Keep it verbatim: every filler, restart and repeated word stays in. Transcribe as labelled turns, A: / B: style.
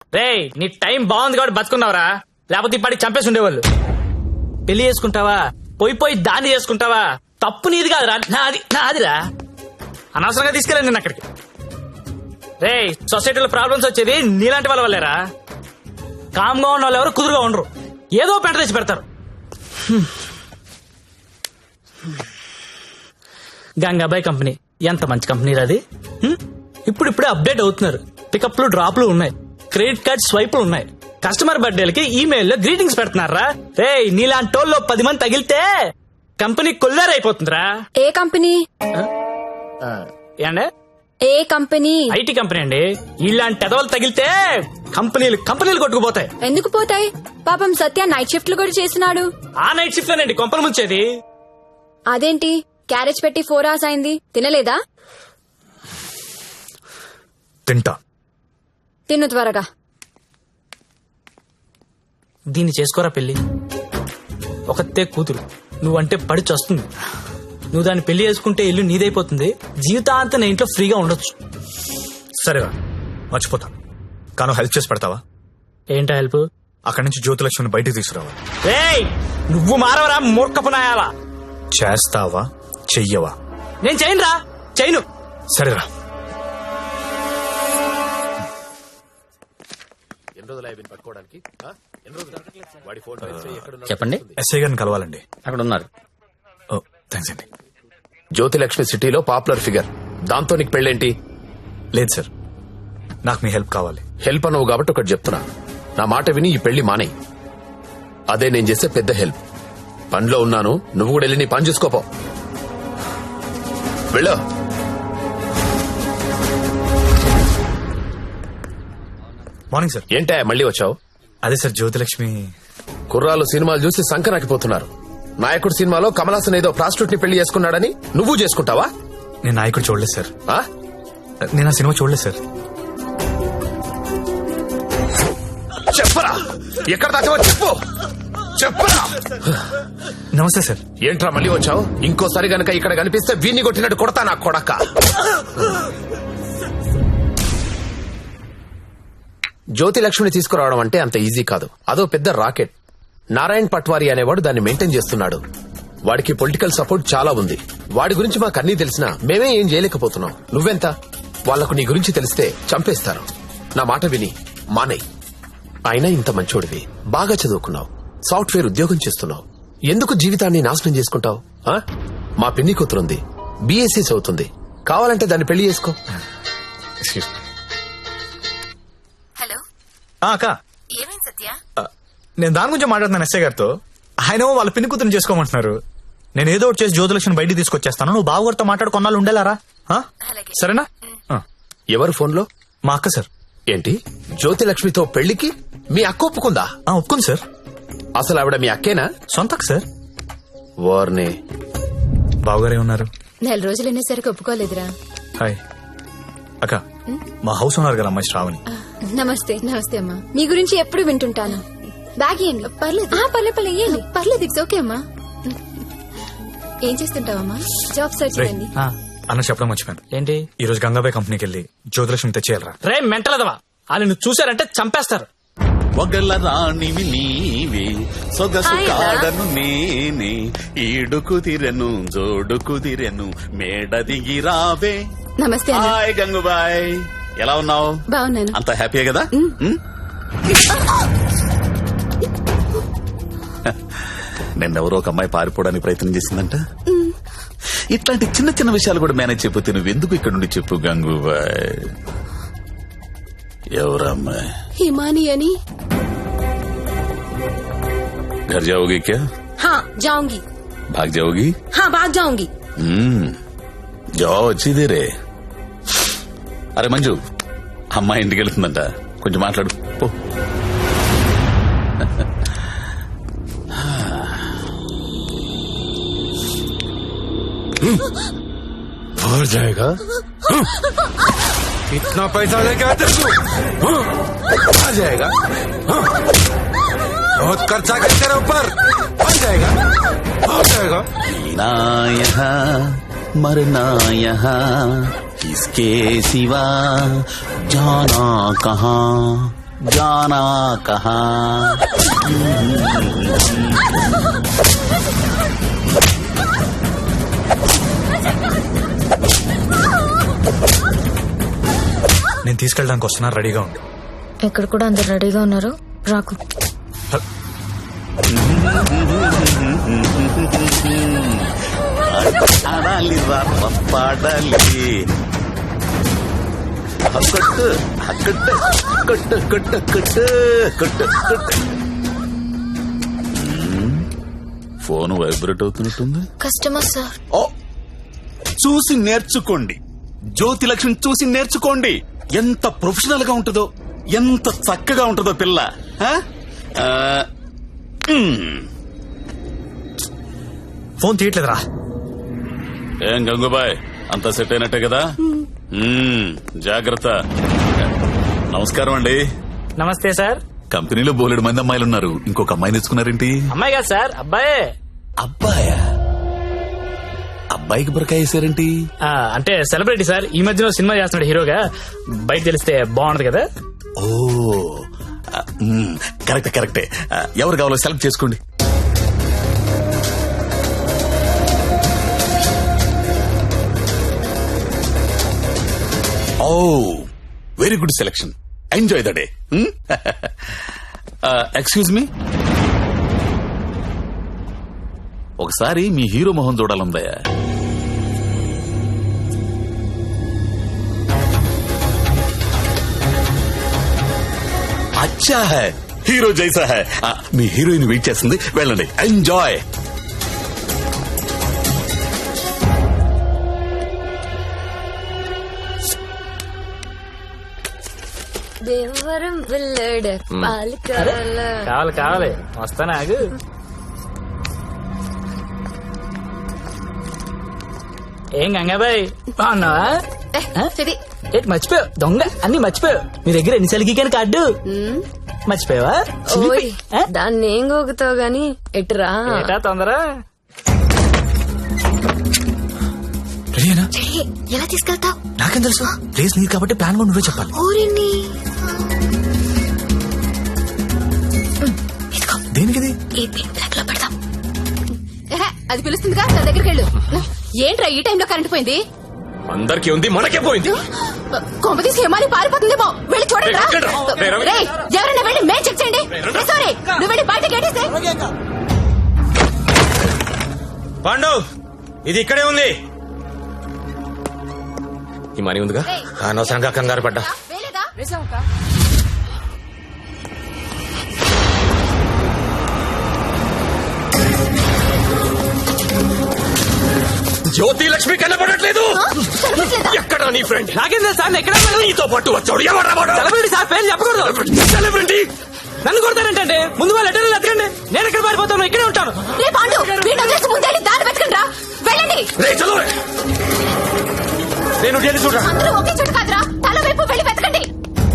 A: రే నీ టైం బాగుంది కాబట్టి బతుకున్నావురా, లేకపోతే ఇప్పటికి చంపేసి ఉండేవాళ్ళు. పెళ్లి చేసుకుంటావా, పోయి పోయి దాన్ని చేసుకుంటావా, తప్పు నీది కాదురా, నాది నాదిరా. అనవసరంగా తీసుకెళ్ళండి నేను అక్కడికి. రే సొసైటీలో ప్రాబ్లమ్స్ వచ్చేది నీలాంటి వాళ్ళ వల్లేరా. కామ్గా ఉన్న వాళ్ళు ఎవరు కుదురుగా ఉండరు, ఏదో పెంట తెచ్చి పెడతారు. గంగాబాయ్ కంపెనీ ఎంత మంచి కంపెనీ అది. ఇప్పుడు ఇప్పుడే అప్డేట్ అవుతున్నారు, పికప్లు డ్రాప్లు ఉన్నాయి, క్రెడిట్ కార్డ్ స్వైపులు ఉన్నాయి, కస్టమర్ బర్త్డేలకి ఈమెయిల్ లో గ్రీటింగ్స్ పెడుతున్నారా. రే నీలాంటి వాళ్ళు పది మంది తగిలితే కంపెనీ కొల్లారైపోతుందిరా.
B: ఏ కంపెనీ?
A: ఏండే
B: ఏ కంపెనీ?
A: ఐటీ కంపెనీ అండి. ఇలాంటి ఎదవలు తగిలితే కంపెనీలు కంపెనీలు కొట్టుకుపోతాయి.
B: ఎందుకు పోతాయి? పాపం సత్య నైట్ షిఫ్ట్లు కూడా చేసినాడు.
A: ఆ నైట్ షిఫ్ట్ లోనండి కొంపలు ముంచేది.
B: అదేంటి క్యారేజ్ పెట్టి ఫోర్ అవర్స్ అయింది, తినలేదా?
C: తింటా.
B: తిన్ను త్వరగా.
A: దీన్ని చేసుకోరా పెళ్లి. ఒకతే కూతురు, నువ్వంటే పడి చస్తుంది. నువ్వు దాన్ని పెళ్లి చేసుకుంటే ఇల్లు నీదైపోతుంది, జీవితాంతం నా ఇంట్లో ఫ్రీగా ఉండొచ్చు.
C: సరేరా మర్చిపోతాను, కాను హెల్ప్ చేసి పెడతావా?
A: ఏంటా హెల్ప్?
C: అక్కడి నుంచి జ్యోతిలక్ష్మిని బయటికి తీసుకురావా.
A: రేయ్ నువ్వు మారవరా మూర్ఖపు నాయాలా.
C: చేస్తావా చెయ్యవా?
A: నేను చేయనురా, చేయను.
C: సరేరా.
D: చెప్పండి.
C: ఎస్ఐ గారిని కలవాలండి.
D: అక్కడ ఉన్నారు.
C: ఓ థ్యాంక్స్ అండి.
E: జ్యోతిలక్ష్మి సిటీలో పాపులర్ ఫిగర్, దాంతో నీకు పెళ్ళేంటి?
C: లేదు సార్, నాకు మీ హెల్ప్ కావాలి.
E: హెల్ప్ అనవు కాబట్టి ఒకటి చెప్తున్నా, నా మాట విని ఈ పెళ్లి మానేయి. అదే నేను చేసే పెద్ద హెల్ప్. పనిలో ఉన్నాను, నువ్వు కూడా వెళ్ళి నీ పని చూసుకోపో. వెళ్ళు.
C: Morning sir.
E: ఏంటా మళ్ళీ వచ్చావు?
C: అదే సార్ జ్యోతిలక్ష్మి.
E: కుర్రాలు సినిమాలు చూసి సంకరాకిపోతున్నారు. నాయకుడు సినిమాలో కమల్ హాసన్ ఏదో ప్రాస్టిట్యూట్ ని పెళ్లి చేసుకున్నాడని నువ్వు చేసుకుంటావా?
C: నేను నాయకుడు చూడలేదు సార్.
E: ఆ?
C: నేను ఆ సినిమా చూడలేదు సార్.
E: చెప్పరా, ఎక్కడ దాచావో చెప్పు. చెప్పరా.
C: నమస్తే సార్.
E: ఏంట్రా మళ్ళీ వచ్చావు? ఇంకోసారి గనక ఇక్కడ కనిపిస్తే వీణ్ణి కొట్టినట్టు కొడతా నా కొడక. జ్యోతిలక్ష్మిని తీసుకురావడం అంటే అంత ఈజీ కాదు, అదో పెద్ద రాకెట్. నారాయణ్ పట్వారీ అనేవాడు దాన్ని మెయింటైన్ చేస్తున్నాడు. వాడికి పొలిటికల్ సపోర్ట్ చాలా ఉంది. వాడి గురించి మాకు అన్నీ తెలిసినా మేమే ఏం చేయలేకపోతున్నాం. నువ్వెంత? వాళ్లకు నీ గురించి తెలిస్తే చంపేస్తారు. నా మాట విని మానేయ్. అయినా ఇంత మంచోడివి, బాగా చదువుకున్నావు, సాఫ్ట్వేర్ ఉద్యోగం చేస్తున్నావు, ఎందుకు జీవితాన్ని నాశనం చేసుకుంటావు? మా పిన్ని కూతురుంది, బీఎస్సీ చదువుతుంది, కావాలంటే దాన్ని పెళ్లి చేసుకో.
B: హలో
C: అక్క,
B: ఏమైంది సత్య?
C: నేను దాని గురించి మాట్లాడుతున్నాను ఎస్ఐ గారితో. ఆయన వాళ్ళ పిన్ని కూతురుని చేసుకోమంటున్నారు. నేను ఏదో ఒకటి చేసి జ్యోతిలక్ష్మిని బయటికి తీసుకొచ్చేస్తాను. నువ్వు బావగారితో మాట్లాడు, కొన్నాళ్ళు ఉండేలారా? సరేనా?
E: ఎవరు ఫోన్లో?
C: మా అక్క సార్.
E: ఏంటి, జ్యోతిలక్ష్మితో పెళ్లికి మీ అక్క ఒప్పుకుందా?
C: ఒప్పుకుంది సార్.
E: అసలు ఆవిడ మీ అక్కేనా?
C: సొంత అక్క సార్.
E: వార్నే.
C: బావగారే ఉన్నారు.
B: నెల రోజులు అనేసరికి ఒప్పుకోలేదురా.
C: హాయ్ అక్క, మా హౌస్ ఉన్నారు కదా అమ్మాయి శ్రావణి.
B: నమస్తే. నమస్తే అమ్మా. మీ గురించి ఎప్పుడు వింటుంటాను. బ్యాగ్ ఇయ్యండి. పర్లేదు పర్లేదు పర్లేదు ఇయ్యండి. పర్లేదు, ఇట్స్ ఓకే అమ్మా. ఏం చేస్తుంటావమ్మా? జాబ్ సర్చ్ చేయండి.
C: అన్న చెప్పడం మర్చిపోయాను.
A: ఏంటి?
C: ఈ రోజు గంగాబాయ్ కంపెనీకి వెళ్ళి జ్యోతిలక్ష్మి తెచ్చేయాలరా.
A: రే మెంటలదవా, వాళ్ళు నువ్వు చూసారంటే చంపేస్తారు.
F: ఒగల రాణివి నీవే, సొగసు కాడను నేనే, ఈడు కుదిరెను జోడు కుదిరెను, మేడ దిగి రావే.
B: నమస్తే.
F: హాయ్ గంగుబాయ్, ఎలా ఉన్నావు?
B: బాగున్నాను.
F: అంత హ్యాపీయే కదా? నిన్నెవరో ఒక అమ్మాయి పారిపోవడానికి ప్రయత్నం చేసిందంట. ఇట్లాంటి చిన్న చిన్న విషయాలు కూడా మేనేజ్ చెప్పితే నువ్వెందుకు ఇక్కడ నుండి చెప్పు గంగూబాయ్. ఎవరమ్మాయి?
B: హిమాని అని.
F: घर जाओगी क्या?
B: हाँ जाऊंगी.
F: भाग जाओगी?
B: हाँ भाग जाऊंगी.
F: हम्म जाओ, अच्छी देरे. అరే మంజు, అమ్మాయి ఇంటికి వెళ్తుందంట, కొంచెం మాట్లాడు పో.
E: और जाएगा?
G: इतना पैसा लेके आते तू? आ जाएगा? बहुत खर्चा कर तेरे ऊपर. आ जाएगा? आ जाएगा?
F: ना यहाँ मरना यहाँ, इसके सिवा जाना कहाँ. जाना कहाँ
C: నేను తీసుకెళ్ళడానికి వస్తున్నా, రెడీగా ఉండు.
D: ఇక్కడ కూడా అందరు రెడీగా ఉన్నారు, రాకు.
F: ఆడాలి రా పాడాలి కొట్టు కొట్టు కొట్టు కొట్టు కొట్టు కొట్టు కొట్టు. ఫోన్ వైబ్రేట్ అవుతున్నట్టుంది.
D: Customer sir.
F: ఓ చూసి నేర్చుకోండి, జ్యోతి లక్ష్మి చూసి నేర్చుకోండి. ఎంత ప్రొఫెషనల్ గా ఉంటుందో, ఎంత చక్కగా ఉంటుందో పిల్ల. ఆ? ఆ, మ్.
C: ఫోన్ తీయట్లేదురా.
F: ఏం గంగుబాయ్, అంతా సెట్ అయినట్టే కదా? మ్మ్, జాగ్రత్త. నమస్కారం అండి.
A: నమస్తే సార్.
F: కంపెనీలో బోలెడు మంది అమ్మాయిలు ఉన్నారు, ఇంకొక అమ్మాయిని తెచ్చుకున్నారేంటి?
A: అమ్మాయి కాదు సార్, అబ్బాయే.
F: అబ్బాయా? అబ్బాయికి బురకాయ వేసారేంటి?
A: ఆ, అంటే సెలబ్రిటీ సార్, ఈ మధ్యలో సినిమా చేస్తున్నాడు హీరోగా. బయట తెలిస్తే బాగుంటది కదా.
F: ఓ ఆ, మ్మ్, కరెక్టే కరెక్టే. ఆ, ఎవరు కావాలో సెలెక్ట్ చేసుకోండి. ఓ very good selection, enjoy the day. Excuse me, ఒకసారి మీ హీరో మొహం చూడాలందయ్యా. అచ్చా హై, హీరో జైసా హై. ఆ, మీ హీరోయిన్ వెయిట్ చేస్తుంది, వెళ్ళండి, ఎంజాయ్.
D: దేవరం పిల్లడు పాలు కావాలా?
A: కావాలి కావాలి, వస్తానా ఆగు. ఏం గంగాబాయ్, బాగున్నావా? ఏంటి మర్చిపోయావు? దొంగ అన్ని మర్చిపోయావు. మీ దగ్గర ఎన్నిసార్లు గీకాను కార్డు మర్చిపోయావా?
D: ఓయ్, దాన్ని ఏం గోగుతావు గాని ఎటురా.
A: ఏటా తొందర?
C: రెడీనా?
B: రెడీ. ఎలా తీసుకెళ్తావు?
C: నాకేం తెలుసు, ప్లేస్ నీది కాబట్టి ప్లాన్ కూడా నువ్వే చెప్పాలి.
B: ఊరిని
C: దేనికిది?
B: ఈ పిన్ బ్లాక్ లో పెడదాం. అది పిలుస్తుందిగా, నా దగ్గరికి వెళ్ళు. ఏంట్రా ఈ టైంలో కరెంట్ పోయింది?
E: అందరికీ ఉంది, మనకే పోయింది.
B: కొంప తీసి హిమాలి పారిపోతుందేమో, వెళ్ళి చూడండి రా. రేయ్, ఎవరైనా వెళ్ళి మేం చెక్ చేయండి. రే, సారీ, నువ్వు వెళ్ళి బయట గేటేసే.
G: పాండు, ఇది ఇక్కడే ఉంది.
E: ఈ మనీ ఉందిగా, అనవసరంగా కంగారు పడ్డా.
B: వేలేదా?
E: జ్యోతి లక్ష్మి కనపడట్లేదు. ఎక్కడ నీ ఫ్రెండ్?
A: నాకేం తెలుసు సార్, ఎక్కడ
E: నీతో పాటు వచ్చాడు ఎవరు?
A: సెలబ్రిటీ సార్, పేరు చెప్పకూడదు.
E: సెలబ్రిటీ
A: నన్ను కొడతారంటే ముందు వాళ్ళు లెటర్లు ఎత్తకండి, నేను ఎక్కడ పారిపోతాను, ఇక్కడే ఉంటాను.
B: రే పాండు, వీడిని వదిలేసి ముందే దారి పెట్టుకుని రా. వెళ్ళండి.
E: రే చలో, నేను వెళ్ళి చూడరా.
B: అందరూ ఒకే చోట